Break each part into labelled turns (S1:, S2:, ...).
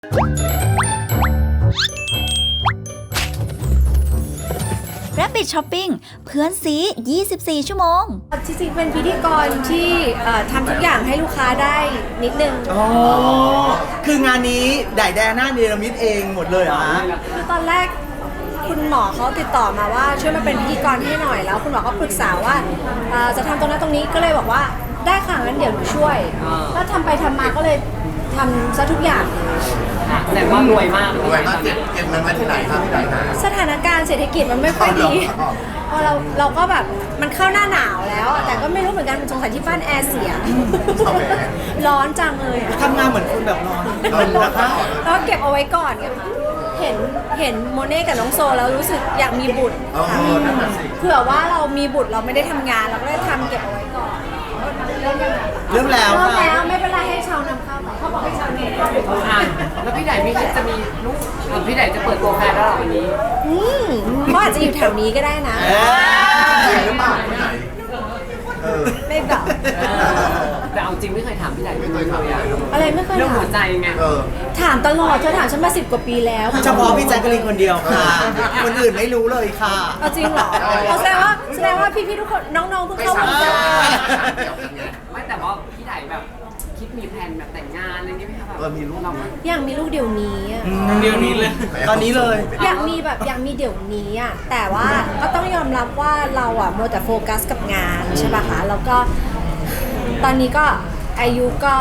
S1: Rabbit Shopping เพื่อนซี24 ชั่วโมง
S2: จริงๆเป็นพิธีกรที่ทำทุกอย่างให้ลูกค้าได้นิดนึง
S3: อ๋อคืองานนี้ได้แดน่าเนรมิตเองหมดเลยเหรอฮะ
S2: คือตอนแรกคุณหมอเขาติดต่อมาว่าช่วยมาเป็นพิธีกรให้หน่อยแล้วคุณหมอก็ปรึกษาว่าจะทำตรงนั้นตรงนี้ก็เลยบอกว่าได้ค่ะงั้นเดี๋ยวหนูช่วยแล้วทำไปทำมาก็เลยทำซะทุกอย่าง
S4: แต่ว่ารวยมาก
S5: เก็บเงินมาที่ไหนครับที่ไหนนะ
S2: สถานการณ์เศรษฐกิจมันไม่ค่อยดีพอเราก็แบบมันเข้าหน้าหนาวแล้วแต่ก็ไม่รู้เหมือนกันสงสัยที่บ้านแอร์เสียร้อนจังเลย
S3: ทำงานเหมือนคนแบบร้อนนะคะ
S2: แล้วเก็บเอาไว้ก่อนไงคะเห็นโมเน่กับน้องโซแล้วรู้สึกอยากมีบุตรเผื่อว่าเรามีบุตรเราไม่ได้ทำงานเราก็เลยทำเก็บเอาไว้ก่อน
S3: เริ่มแล้ว
S2: ไม่เป็นไรให้ชาวนำเข้าไปเขาบอกให้ชาวนำเข้าไปก่อน
S4: แล้วพี่ไดไม่คิดจะมีลูกพี่ไดจะเปิดตัวแฟนแล้วหรอวันนี้
S2: เขาอาจจะอยู่แถวนี้ก็ได้นะ
S5: จริงหรือเปล่าที่ไหน
S2: ไม่บอก
S4: แต่เอาจริงไม่เคยถามพี่ไดไม่เคยถาม
S2: อะไรไม่เคยถาม
S4: เรื่องหัวใจไง
S2: ถามตลอดเธอถามฉันมา10 กว่าปีแล้ว
S3: เฉพาะพี่แจ๊กกะลีนคนเดียวค่ะคนอื่นไม่รู้เลยค่ะ
S2: จริงเหรอแสดงว่าพี่ๆทุกคนน้องๆเพิ่งเข้ามา
S4: ไม่แต่ว่าพี่ไดแบบคิดมีแผนแบบแต่งงานอะไรนี้ไหมคะแบบ
S5: มีลูก
S2: อยากมีลูกเดี๋ยวนี้
S3: เดี๋ยวนี้เลยตอนนี้เลย
S2: อยากมีเดี๋ยวนี้อ่ะแต่ว่าก็ต้องยอมรับว่าเราอ่ะมัวแต่โฟกัสกับงานใช่ป่ะคะแล้วก็ตอนนี้ก็อายุก็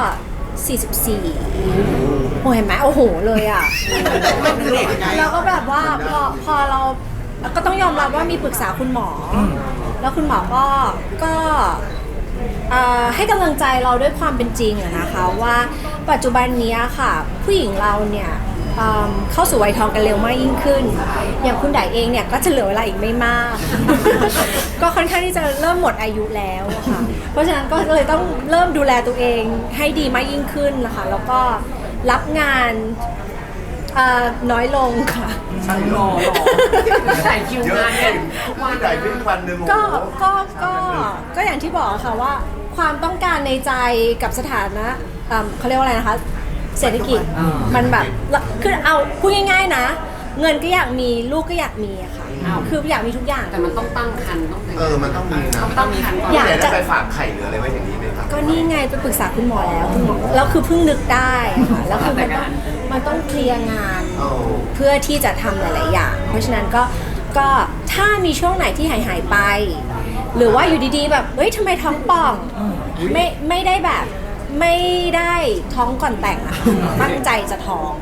S2: 44โอ้เห็นไหมโอ้โหเลยอ่ะแล้วก็แบบว่าพอเราก็ต้องยอมรับว่ามีปรึกษาคุณหมอแล้วคุณหมอก็ให้กำลังใจเราด้วยความเป็นจริงอะนะคะว่าปัจจุบันนี้ค่ะผู้หญิงเราเนี่ยเข้าสู่วัยทองกันเร็วมากยิ่งขึ้นอย่างคุณไดเองเนี่ยก็จะเหลือเวลาอีกไม่มาก ก็ค่อนข้างที่จะเริ่มหมดอายุแล้วค่ะเพราะฉะนั้นก็เลยต้องเริ่มดูแลตัวเองให้ดีมากยิ่งขึ้นนะคะแล้วก็รับงานน้อยลงค่ะ
S5: ใช่หรอ
S4: ใส่คิวงานเนี่ย
S5: ทุกวันใส่เป็นวันหนึ่ง
S2: ก็อย่างที่บอกค่ะว่าความต้องการในใจกับสถานะเขาเรียกว่าอะไรนะคะเศรษฐกิจมันแบบคือเอาพูดง่ายๆนะเงินก็อยากมีลูกก็อยากมีอะค่ะคืออยากมีทุกอย่าง
S4: แต่มันต้องตั้งครรภ์ต้อง
S5: มันต้องมีนะ
S4: ต้องมีครรภ์
S5: อยากจะไปฝากไข่หรืออะไรไว้อย่างนี้ไหมครับ
S2: ก็นี่ไงไปปรึกษาคุณหมอแล้วคุณหมอแล้วคือเพิ่งนึกได้ค่ะแล้วคือมันต้องเคลียร์งานเพื่อที่จะทำหลายๆอย่างเพราะฉะนั้นก็ถ้ามีช่วงไหนที่หายไปหรือว่าอยู่ดีๆแบบเฮ้ยทำไมท้องป่องไม่ได้แบบไม่ได้ท้องก่อนแต่งอะตั้งใจจะท้อง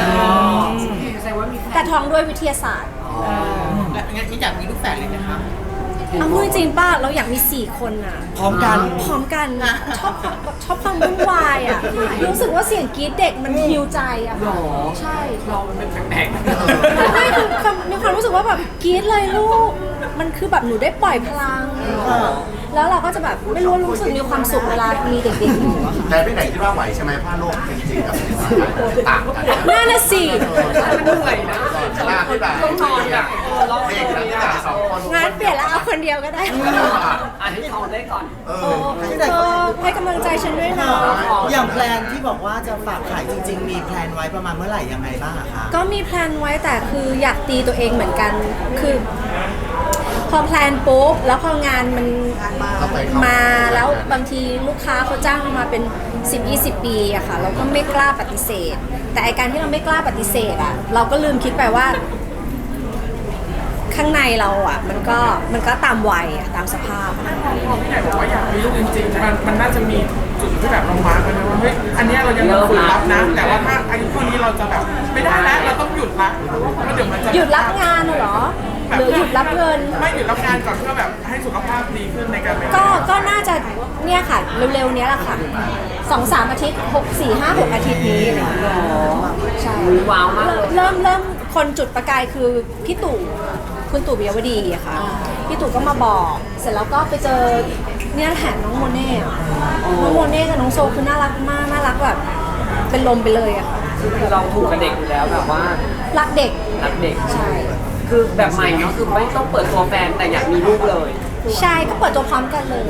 S2: แต่ท้องด้วยวิทยาศาสตร์
S3: แล้วงั้นอยากมีลูกแฝดเลยไหมคะ
S2: เอาพูดจริงป่ะเราอยากมี4 คนอะ
S3: พร้อมกัน
S2: ชอบความวุ่นวายอะรู้สึกว่าเสียงกรี๊ดเด็กมันฮิวใจอะค่ะใช่
S4: เราเป็นแปลก
S2: ๆไม่คือมีความรู้สึกว่าแบบกรี๊ดเลยลูกมันคือแบบหนูได้ปล่อยพลังแล้วเราก็จะแบบไม่รู้สึกมีความสุขเวลามีเด็กๆอยู่อะค่ะ
S5: แต่ไปไหนที่ว่าไหวใช่ไหมผ้าโลกจริงๆกับต่างกัน
S2: น่าสิ
S4: มันเหนื่อยนะ
S5: ต้องนอนอ่ะเด็กนะที่แบบ2 คน
S2: งั้นเปลี่ยนแล้วเอาคนเดียวก็ได้
S4: ให้ทองได้ก่อน
S2: ให้กำลังใจฉันด้วยนะ
S3: อย่างแพลนที่บอกว่าจะฝากขายจริงๆมีแพลนไว้ประมาณเมื่อไหร่ยังไงบ้างคะ
S2: ก็มีแพลนไว้แต่คืออยากตีตัวเองเหมือนกันคือพอแพลนปุ๊บแล้วพองานมันมาแล้วบางทีลูกค้าเขาจ้างมาเป็น10-20 ปีอะค่ะเราก็ไม่กล้าปฏิเสธแต่ไอการที่เราไม่กล้าปฏิเสธอะเราก็ลืมคิดไปว่าข้างในเราอะมันก็ตามวัยอะตามสภาพ
S6: พี่ใหญ่บอกว่าอยากมีลูกจริงๆมันน่าจะมีจุดที่แบบเรามาร์กกันนะว่าเฮ้ยอันนี้เรายังฝืนรับนะแต่ว่าถ้าอายุเท่านี้เราจะแบบไม่ได้แล้วเราต้องหยุดละเพราะเดี๋ยวมันจะ
S2: หยุดรับงานเหรอหรือหยุดรับเงิน
S6: ไม่หยุดรับงานก่อนเพื่อแบบให้สุขภาพดีขึ้นในการ
S2: ก็น่าจะเนี่ยค่ะเร็วๆนี้แหละค่ะ2-3 อาทิตย์4-5-6 อาทิตย์นี้ใช่
S4: ว้าวมาก
S2: เริ่มคนจุดประกายคือพี่ตู่คุณตู่ปิยวดีอะค่ะพี่ตู่ก็มาบอกเสร็จแล้วก็ไปเจอเนี่ยแหละน้องโมเน่น้องโมเน่กับน้องโซคือน่ารักมากน่ารักแบบเป็นลมไปเลยอะค่ะ
S4: คือเราถูกกับเด็กอยู่แล้วแบบว่า
S2: รักเด็กใช่
S4: คือแบบใหม่ก็คือไม่ต้องเปิดตัวแฟนแต่อยากมีลูกเลย
S2: ใช่ก็เปิดตัวพร้อมกันเลย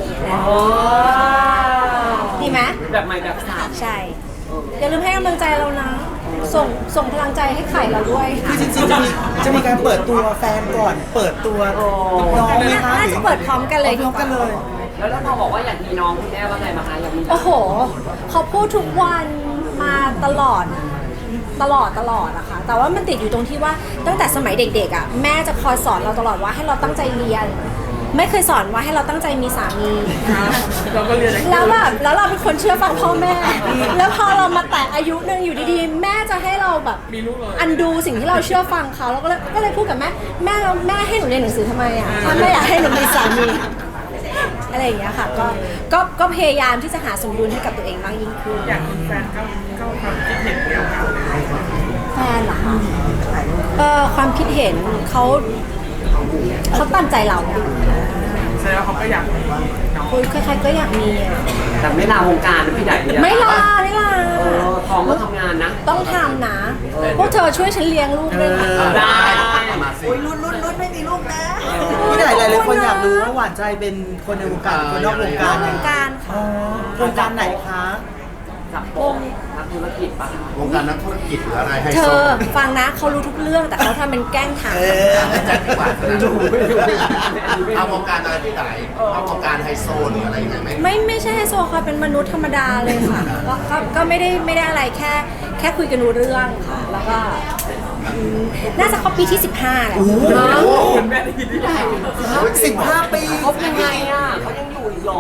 S2: ดีไหม
S4: แบบใหม่แบบสาว
S2: ใช่อย่าลืมให้กำลังใจเรานะส่งพลังใจให้ไข่เราด้วย
S3: คือจริงๆจะมีการเปิดตัวแฟนก่อนเปิดตัวน้องไหมคะ
S2: น่าจะเปิดพร้อมกันเลย
S3: พร้อมกันเลย
S4: แล้วพอบอกว่าอยากมีน้องคุณแม่ว่าไงมาคะอยากมี
S2: โอ้โหเขาพูดทุกวันมาตลอดอะค่ะแต่ว่ามันติดอยู่ตรงที่ว่าตั้งแต่สมัยเด็กๆอะแม่จะคอยสอนเราตลอดว่าให้เราตั้งใจเรียน ไม่เคยสอนว่าให้เราตั้งใจมีสามี
S6: เราก็เรียนอะไร
S2: แล้วแบบแล้วเราเป็นคนเชื่อฟังพ่อแม่ แล้วพอเรามาแตะอายุหนึ่งอยู่ดีๆ แม่จะให้เราแบบ
S6: มีลูกเลย
S2: อันดูสิ่งที่เราเชื่อฟังเขาแล้วก็เลยพูดกับแม่ให้หนูเรียนหนังสือทำไมอ่ะถ้าแม่อยากให้หนูมีสามีอะไรอย่างเงี้ยค่ะก็พยายามที่จะหาสมดุลให้กับตัวเองมากยิ่งขึ้น
S6: อยากมีแฟนเข้าความคิดเห็นเดียวกัน
S2: แฟนเหรอคะความคิดเห็นเขาตามใจเราอะ
S6: แสดงว่าเขาก็อยากมีน้อง
S2: คุยใครๆก็อยากมีอะ
S4: แต่ไม่ลาวงการนะพี่ไดเนี่ย
S2: ไม่ลา
S4: ท้องก็ทำงานนะ
S2: ต้องทำนะ พวกเธอช่วยฉันเลี้ยงลูกด้วยนะ
S4: ได้
S3: อุ้ยรุ่นไม่มีลูกนะพี่ไหนหลายๆคนอยากรู้ว่าหวานใจเป็นคนในวงการคนนอกวง
S2: น
S3: กา
S2: อ
S3: ร
S2: กวงการค่ะ
S3: วงการไหนคะ
S4: จับโปงนักธุรกิจปะ
S5: วงการนักธุรกิจหรืออะไรไฮ
S2: เธ
S5: โซ
S2: อฟังนะเขารู้ทุกเรื่องแต่เขาทำเป็นแกล้งถาม
S5: แจ็คดีกว่าเอาวงการอะไรที่ไหนเอาวงการไฮโซหรืออะไรยังไงไหม
S2: ไม่ใช่ไฮโซค่ะเป็นมนุษย์ธรรมดาเลยค่ะก็ไม่ได้อะไรแค่คุยกันรู้เรื่องค่ะ แล้วก็น่าจะเข้าปีที่ 15แล้ว
S6: คุณแม่ได้ยินที่ไหน
S3: 15 ปี
S4: เขายังไงอ่ะเขายังอยู่อีกหรอ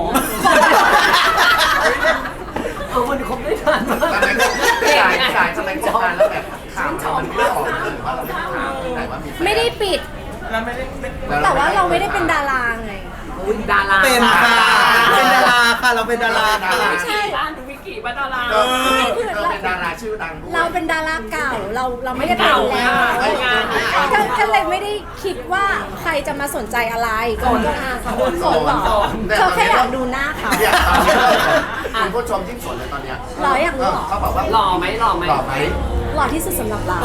S4: มันคบได้นานมาก
S5: ตอนนั้นสายสมัยก่อนแล้วแบบข่าวมันไม่ออกเลยหรือว่าเราไม่ข่าวที่ไหนว่ามีแฟน
S2: ไม่ได้ปิด
S6: แล้วไม่ได้
S2: แต่ว่าเราไม่ได้เป็นดาราไง
S4: อุ้ยดารา
S3: เป็นค่ะเป็นดาราค่ะเราเป็นดาราค่ะ
S4: ไม่ใช่ร้านดูวิกิบ้านดารา
S5: เออเป็นดาราชื่อดังด้วย
S2: เราเป็นดาราเก่าเราไม่ได้เป็นแล้ว ก็เลยไม่ได้คิดว่าใครจะมาสนใจอะไรก็สนหรอเธอแค่อยากดูหน้าเขา
S5: เนี่ยตอนนี้คุณผู้ชมที่สนเลยตอนเนี้ย
S2: หล่ออยากรู้หรอ
S5: เขาบอกว่า
S4: หล่อไหมหล่อไหม
S5: หล่อไหม
S2: หล่อที่สุดสำหรับเรา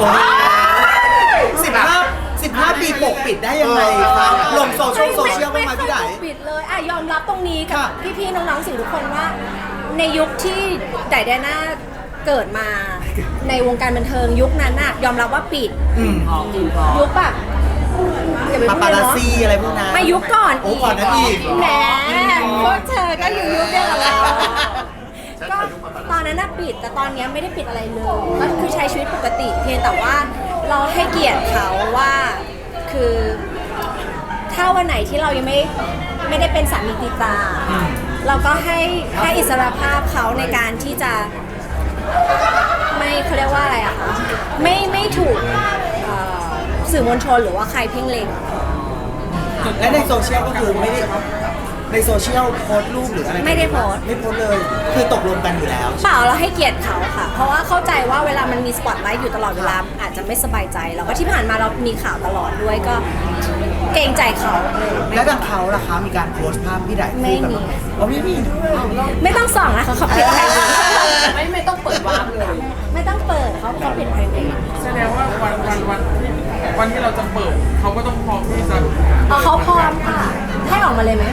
S3: 15 ปีปกปิดได้ยังไงคะลงโซเชียลบ้างไหมพี่ไหน
S2: ไม่เคยปิดเลยอ่ะยอมรับตรงนี้กับ
S3: ค่ะ
S2: พี่ๆน้องๆสื่อทุกคนว่า ในยุคที่ไดอาน่าเกิดมาในวงการบันเทิงยุคนั้นน่ะยอมรับว่าปิด
S4: ทองกินทอง
S2: ยุคแบบอย่าไป
S3: ปา
S2: พูด
S3: ปา
S2: เลย
S3: รา
S2: เนาะ
S3: ซีอะไรพวกนั้น
S2: ไม่ยุคก่อน
S3: โอ้ก่อนนั้นอีก
S2: แหมพวกเธอก็อยู่ยุคเดียวกับเราก็ตอนนั้นน่ะปิดแต่ตอนเนี้ยไม่ได้ปิดอะไรเลยก็คือใช้ชีวิตปกติเพียงแต่ว่าเราให้เกียรติเขาว่าคือถ้าวันไหนที่เรายังไม่ได้เป็นสามีติดตา เราก็ให้อิสรภาพเขาในการที่จะไม่เขาเรียกว่าอะไรอะคะไม่ถูกสื่อมวลชนหรือว่าใครเพ่งเล็ง
S3: และในโซเชียลก็คือไม่ได้ในโซเชียลโพสต์รูปหรืออะไร
S2: ไม่ได้โพสต์
S3: ไม่โพสต์เลย คือตกลงกันอยู่แล้ว
S2: เปล่าเราให้เกียรติเขาค่ะ เพราะว่าเข้าใจว่าเวลามันมีสปอตไลท์อยู่ตลอดเวลาอาจจะไม่สบายใจแล้วก็ที่ผ่านมาเรามีข่าวตลอดด้วยก็เกรงใจเขา
S3: แล้วทางเขาล่ะคะมีการโพสต์ภาพพี่ไหน
S2: ไม่มี
S3: อ๋อไม่มีด้วย
S2: ไม่ต้องส่องนะคะเขาปิดไพรเวท
S4: ไม่ต้องเปิดวาร์ปเลย
S2: ไม่ต้องเปิดเขาปิดไพรเวท
S6: แสดงว่าวันที่เราจะเปิดเขาก็ต้องพร้อมที่จะ
S2: เขาพร้อมค่ะให้ออกมาเลยไหม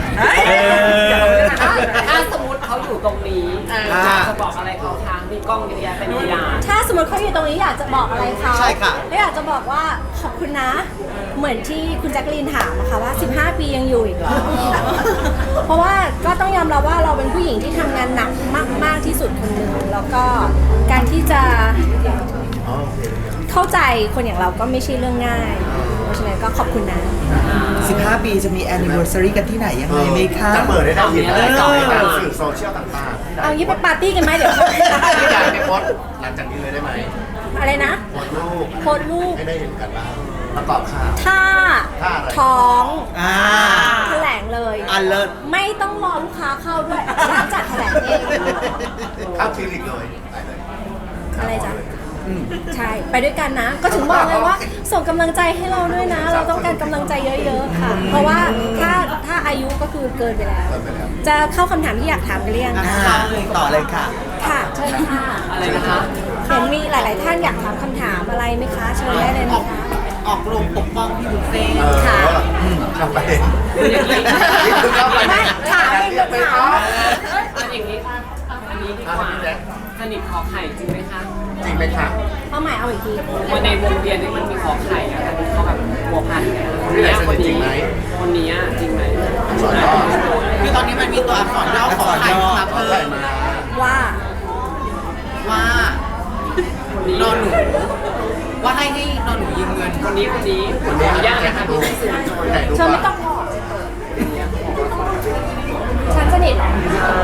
S4: ถ้าสมมติเขาอยู่ตรงนี้จะบอกอะไรเขาทางมีกล้องเยอะแยะเป็นพยาน
S2: ถ้าสมมติเขาอยู่ตรงนี้อยากจะบอกอะไรเขา
S3: ใช่ค่ะ
S2: แล้วอยากจะบอกว่าขอบคุณนะ เหมือนที่คุณแจ็คลีนถามนะคะว่า 15 ปียังอยู่อีกเหรอ เพราะว่าก็ต้องยอมรับว่าเราเป็นผู้หญิงที่ทำงานหนักมากที่สุดคนหนึ่งแล้วก็การที่จะเข้าใจคนอย่างเราก็ไม่ใช่เรื่องง่าย เพราะฉะนั้นก็ขอบคุณนะ
S3: 15 ปีจะมี anniversary กันที่ไหนยังไงไหมคะ
S5: จะเปิดได้ทันทีเลยในการสื่อโซเชียลต่างๆ
S2: เอางี้ไปปาร์ตี้กันไหมเดี๋ยว
S5: ที่อยากไปโพสต์หลังจากนี้เลยได้ไหม
S2: อะไรนะ
S5: โพสต์รูป
S2: โพสต์รูป
S5: ให้ได้เห็นกันบ้างประกอบข่าว
S2: ถ้า
S5: ถ้าอะไร
S2: ท้อง
S3: อ่า
S2: แถลงเลย
S3: อันเลิศ
S2: ไม่ต้องรอลูกค้าเข้าด้วยร้านจัดแถลงเอง
S5: เข้าคลินิกเลยไปเลย
S2: อะไรจ๊ะใช่ ไปด้วยกันนะ ก็ถึงบอกเลยว่า ส่งกำลังใจให้เราด้วยนะ เราต้องการกำลังใจเยอะๆค่ะ เพราะว่าถ้าอายุก็คือเกินไปแล้ว จะเข้าคำถามที่อยากถามกันหรือยัง
S3: ต่อเลยค่ะ
S2: ค่ะเชิญค่ะ
S4: อะไรนะคะ
S2: เห็นมีหลาย ๆ ท่านอยากถามคำถามอะไรไหมคะ เชิญได้เลยนะคะ
S3: ออกโรงปกป้องพี่บุฟเฟ่
S2: ค่ะ
S5: เข้าไปนี่คือเข้าไป
S2: ไม่ถามเองก็ถาม
S4: อันอย่างนี้อันนี้ดีกว่าสนิทขอไข่จริงไหมคะ
S5: จริงไหมคะ
S2: เอาใหม่เอาอีกที
S4: วันในวงเวียนนี่มันมีขอไข่อะค่ะที่เขาแบบบัวพันธุ์เนี่ย
S5: พี่ไหนสนิทจริงไหม
S4: คนนี้อะจริงไหม
S5: สอนย่อ
S3: คือตอนนี้มันมีตัวอักษรย่อขอไข่มา
S5: ขอ
S3: เพิ่
S5: ไข่
S3: ม
S5: มา
S2: ว่า
S3: ว่า
S4: คนนี้
S3: นอนหนูว่าให้นอนหนูยืมเงิน
S4: คนนี้ขออนุญาตนะคะพี่สื่อมวลชน
S5: ถ่ายรูป
S2: เธอไม่
S5: มา
S2: ต้องบอกฉันสนิทเหรอ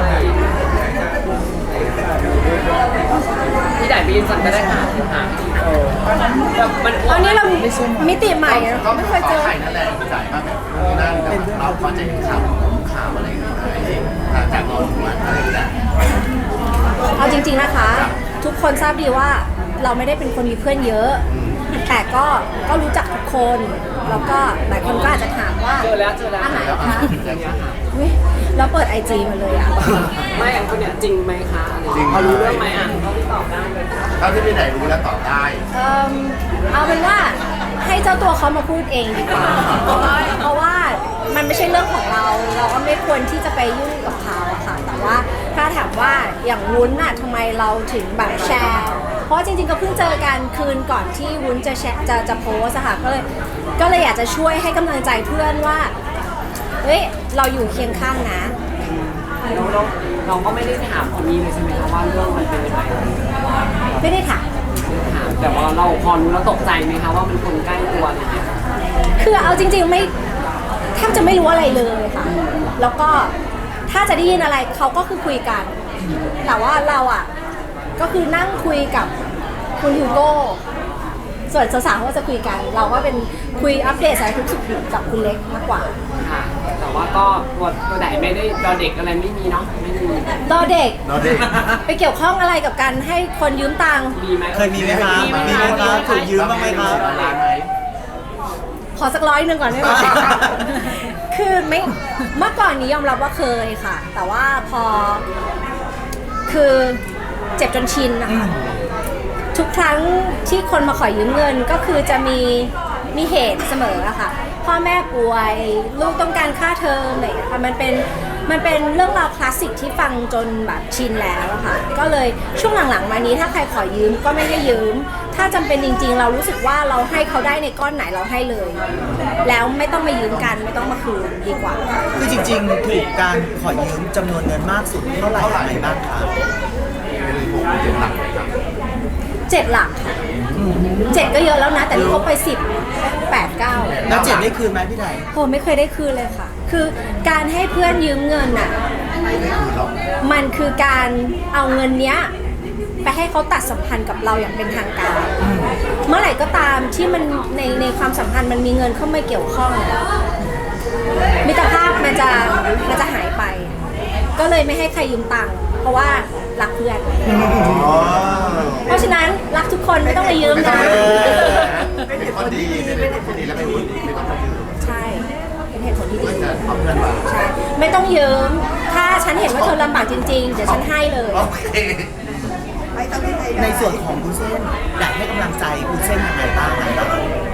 S4: พี่ไหนไปยืนสั่งก็ได้ค่ะแบบมัน
S2: อันนี้เรามิติใหม่อะ
S5: ก็
S2: ไม่เคยเจอ
S5: ขอไข่นั่นแหละจ่ายมาแบบนั่นแต่เราพอจะเห็นข่าวอะไรอย่างเงี้ยหลังจากนอนหนูอะไรอย่างเงี้ย
S2: เอาจริงๆนะคะ ทุกคนทราบดีว่าเราไม่ได้เป็นคนมีเพื่อนเยอะ แต่ก็รู้จักทุกคน แล้วก็หลายคนก็อาจจะถามว่า
S4: เจอแล้ว
S2: อันไหน
S5: แล้ว
S2: คะ
S4: อย่างเงี้ยค่ะ
S2: เฮ้ยแล้วเปิดไอจีมาเลยอ่ะ
S4: ไม่อันคนเนี้ยจริงไหมคะอะไรอย่าง
S5: จริง
S4: เงี้ยเขารู้เรื่องไหมอ่ะเขาที่ตอบได้เลย
S5: เท่าที่พี่ไหนรู้แล้วตอบได้
S2: เอาเป็นว่าให้เจ้าตัวเขามาพูดเองดีกว่าเพราะว่ามันไม่ใช่เรื่องของเรา เราก็ไม่ควรที่จะไปยุ่งกับเขาอะค่ะ แต่ว่าถ้าถามว่าอย่างวุ้นน่ะทำไมเราถึงแบบแชร์ เพราะจริงๆก็เพิ่งเจอกันคืนก่อนที่วุ้นจะแชร์จะโพสอะค่ะก็เลยอยากจะช่วยให้กำลังใจเพื่อนว่าเฮ้ยเราอยู่เคียงข้างนะ
S4: แล้วเราก็ไม่ได้ถามคนนี้เลยใช่ไหมคะว่าเรื่องมันเป็นยังไง
S2: ไม่ได้ถาม
S4: ถามแต่ว่าเราพอรู้แล้วตกใจไหมคะว่ามันคนใกล้ตัวอะไรอย่างเงี้ย
S2: คือเอาจริงๆไม่แทบจะไม่รู้อะไรเลยค่ะ แล้วก็ถ้าจะได้ยินอะไรเขาก็คือคุยกัน แต่ว่าเราอ่ะก็คือนั่งคุยกับคุณฮิวโก้ส่วนสาวๆก็จะคุยกัน เราก็เป็นคุยอัปเดตสารทุกข์สุขดิบกับคุณเล็กมากกว่า
S4: ค่ะ แต่ว่าก็ตัวไหนไม่ได้ดอเด็กอะไรไม่มีเนาะไม่มี
S2: ตอนเด็ก
S5: เราเด็ก
S2: ไปเกี่ยวข้องอะไรกับการให้คนยืมตังค์
S4: มีไหม
S3: เคยมีไหมครับมีไหมครับถูกยืมบ้างไหมครับ
S5: ร้านไหม
S2: ขอสัก100ก่อนได้ไหม คือไม่เมื่อก่อนนี้ยอมรับว่าเคยค่ะ แต่ว่าพอคือเจ็บจนชินนะคะทุกครั้งที่คนมาขอยืมเงินก็คือจะมีเหตุเสมออะค่ะพ่อแม่ป่วยลูกต้องการค่าเทอมอะไรอย่างเงี้ยค่ะมันเป็นเรื่องราวคลาสสิกที่ฟังจนแบบชินแล้วอะค่ะก็เลยช่วงหลังๆมานี้ถ้าใครขอยืมก็ไม่ให้ยืม ถ้าจำเป็นจริงๆ เรารู้สึกว่าเราให้เขาได้ในก้อนไหนเราให้เลย แล้วไม่ต้องมายืมกันไม่ต้องมาคืนดีกว่า
S3: คือจริงๆ ถูกการขอยืมจำนวนเงินมากสุดเท่าไหร่อะไรบ้างครับ
S5: เป็นผมเป็นหลักเลยครับ
S2: 7 หลักค่ะ7ก็เยอะแล้วนะ แต่นี่เขาไป10 8 9
S3: แล้วเจ็บได้คืนไหมพี่ได
S2: โหไม่เคยได้คืนเลยค่ะ คือการให้เพื่อนยืมเงินน่ะ
S5: ไม่ได้คืนหรอก
S2: มันคือการเอาเงินเนี้ยไปให้เขาตัดสัมพันธ์กับเราอย่างเป็นทางการ เมื่อไหร่ก็ตามที่มันในความสัมพันธ์มันมีเงินเข้ามาเกี่ยวข้องมิตรภาพมันจะหายไป ก็เลยไม่ให้ใครยืมตังค์เพราะว่ารักเพื่อน
S5: อ๋อ
S2: เพราะฉะนั้นรักทุกคนไม่ต้องมายืมนะ
S5: เป็นคนดีเป็นคนดีแล้วเป็นคนดีไม่ต้องมายืม
S2: ใช่เป็นเหตุผลที่ดี
S5: เพื่อนจะเอาเพื่อนมา
S2: ใช่ไม่ต้องยืม ถ้าฉันเห็นว่าเธอลำบากจริงๆ เดี๋ยวฉันให้เลย
S5: โอเค
S3: ในส่วนของคุณเส้นอยากให้กำลังใจคุณเส้นยังไงบ้างครับ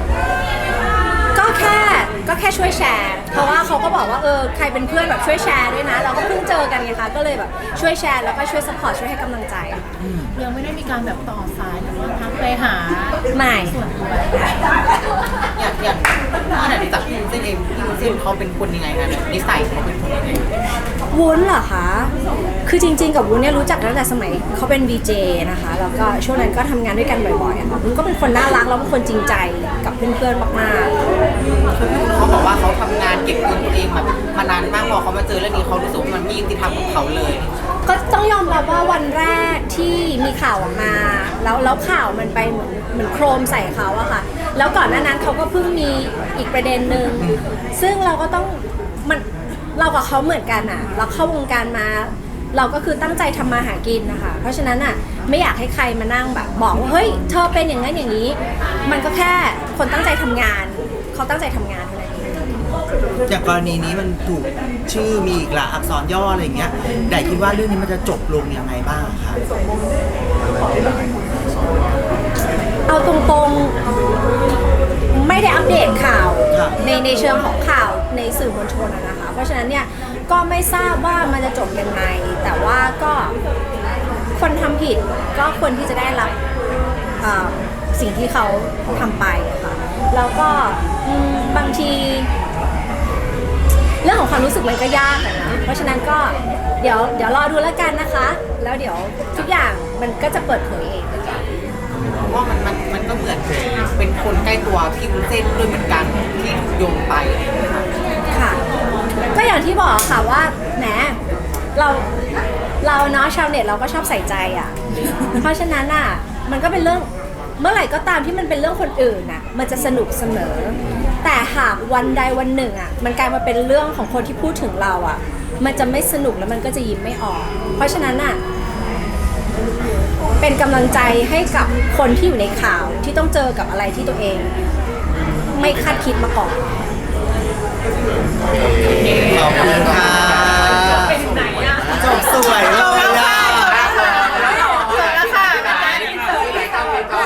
S2: ก็แค่ช่วยแชร์ เพราะว่าเขาก็บอกว่าใครเป็นเพื่อนแบบช่วยแชร์ด้วยนะ เราก็เพิ่งเจอกันไงคะ ก็เลยแบบช่วยแชร์แล้วก็ช่วยสปอร์ตช่วยให้กำลังใจ
S7: ยังไม่ได้มีการแบบต่อสายหรือว่าทักไปหา
S2: ไม่
S3: อย่างถ้าไหนรู้จักพี่เส้นเองพี่เส้นเขาเป็นคนยังไงคะนิสัยเขาเป็นคนยังไง
S2: วุ้นเหรอคะ คือจริงๆ กับวุ้นเนี่ยรู้จักตั้งแต่สมัยเขาเป็น VJ นะคะ แล้วก็ช่วงนั้นก็ทำงานด้วยกันบ่อยๆอะค่ะวุ้นก็เป็นคนน่ารักแล้วเป็นคนจริงใจกับเพื่อนๆ มากๆ
S8: เขาบอกว่าเขาทำงานเก็บเงินตัวเองมานานมากพอเขามาเจอเรื่องนี้เขารู้สึกว่ามันไม่ยุติธรรมกับเขาเลย
S2: ก็ต้องยอมรับว่าวันแรกที่มีข่าวออกมาแล้วข่าวมันไปเหมือนโครมใส่เขาอะค่ะ แล้วก่อนหน้านั้นเขาก็เพิ่งมีอีกประเด็นหนึ่งซึ่งเราก็ต้องเรากับเขาเหมือนกันอะเราเข้าวงการมา เราก็คือตั้งใจทำมาหากินนะคะเพราะฉะนั้นอะไม่อยากให้ใครมานั่งแบบบอกว่าเฮ้ยเธอเป็นอย่างนั้นอย่างนี้ มันก็แค่คนตั้งใจทำงานเขาตั้งใจทำงานเท่านั้นเอง
S3: อย่างกรณีนี้มันถูกชื่อมีอีกหลายอักษรย่ออะไรอย่างเงี้ยไดคิดว่าเรื่องนี้มันจะจบลงยังไงบ้างครับ
S2: เอาตรงๆไม่ได้อัปเดตข่าวในเชิงของข่าวในสื่อมวลชนนะคะเพราะฉะนั้นเนี่ยก็ไม่ทราบว่ามันจะจบยังไงแต่ว่าก็คนทำผิดก็ควรที่จะได้รับสิ่งที่เขาทำไปค่ะแล้วก็บางทีเรื่องของความรู้สึกมันก็ยากอะนะเพราะฉะนั้นก็เดี๋ยวรอดูแล้วกันนะคะ แล้วเดี๋ยวทุกอย่างมันก็จะเปิดเผยเองนะคะ
S8: เพราะว่ามันก็เหมือนเป็นคนใกล้ตัวพี่วุ้นเส้นด้วยเหมือนกันที่ถูกโยงไปอะไรอย่างเงี้ยค่ะ
S2: ค่ะก็อย่างที่บอกค่ะว่าแหมเราเนาะชาวเน็ตเราก็ชอบใส่ใจอ่ะ เพราะฉะนั้นอ่ะมันก็เป็นเรื่องเมื่อไหร่ก็ตามที่มันเป็นเรื่องคนอื่นน่ะมันจะสนุกเสมอ แต่หากวันใดวันหนึ่งอ่ะมันกลายมาเป็นเรื่องของคนที่พูดถึงเราอ่ะมันจะไม่สนุกแล้วมันก็จะยิ้มไม่ออก เพราะฉะนั้นอ่ะเป็นกำลังใจให้กับคนที่อยู่ในข่าวที่ต้องเจอกับอะไรที่ตัวเองไม่คาดคิดมาก่อน
S3: ขอบคุณค่ะ
S4: เป็นไหนอะ
S3: จบสวยเลย